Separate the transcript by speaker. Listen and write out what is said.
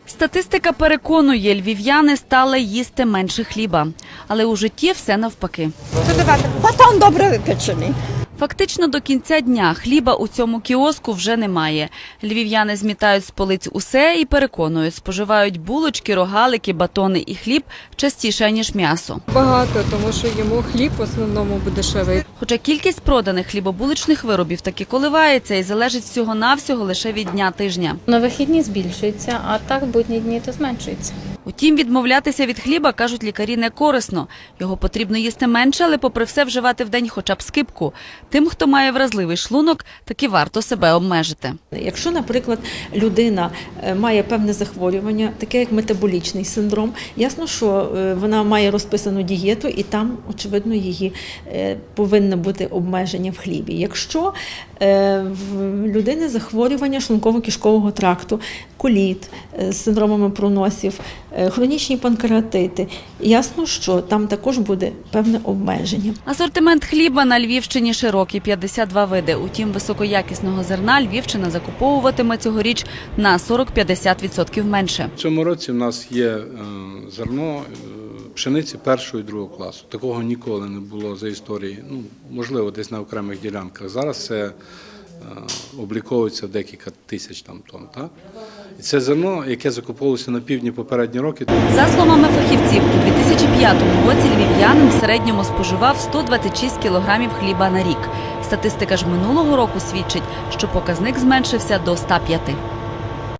Speaker 1: Статистика переконує, львів'яни стали їсти менше хліба. Але у житті все навпаки.
Speaker 2: Батон добре випечений.
Speaker 1: Фактично до кінця дня хліба у цьому кіоску вже немає. Львів'яни змітають з полиць усе і переконують, споживають булочки, рогалики, батони і хліб частіше, ніж м'ясо.
Speaker 3: Багато, тому що йому хліб в основному буде дешевий.
Speaker 1: Хоча кількість проданих хлібобуличних виробів таки коливається і залежить всього-навсього лише від дня тижня.
Speaker 4: На вихідні збільшується, а так в будні дні то зменшується.
Speaker 1: Утім, відмовлятися від хліба, кажуть лікарі, не корисно. Його потрібно їсти менше, але попри все вживати в день хоча б скипку. Тим, хто має вразливий шлунок, таки варто себе обмежити.
Speaker 5: Якщо, наприклад, людина має певне захворювання, таке як метаболічний синдром, ясно, що вона має розписану дієту і там, очевидно, її повинно бути обмеження в хлібі. Якщо в людини захворювання шлунково-кишкового тракту, коліт з синдромами проносів, хронічні панкреатити, ясно, що там також буде певне обмеження.
Speaker 1: Асортимент хліба на Львівщині широкий – 52 види. Утім, високоякісного зерна Львівщина закуповуватиме цьогоріч на 40-50% менше.
Speaker 6: В цьому році в нас є зерно пшениці першого і другого класу. Такого ніколи не було за історії, можливо, десь на окремих ділянках. Зараз це обліковується в декілька тисяч тонн. Так? І це зерно, яке закуповувалося на півдні попередні роки.
Speaker 1: За словами фахівців, у 2005 році львів'янин в середньому споживав 126 кілограмів хліба на рік. Статистика ж минулого року свідчить, що показник зменшився до 105.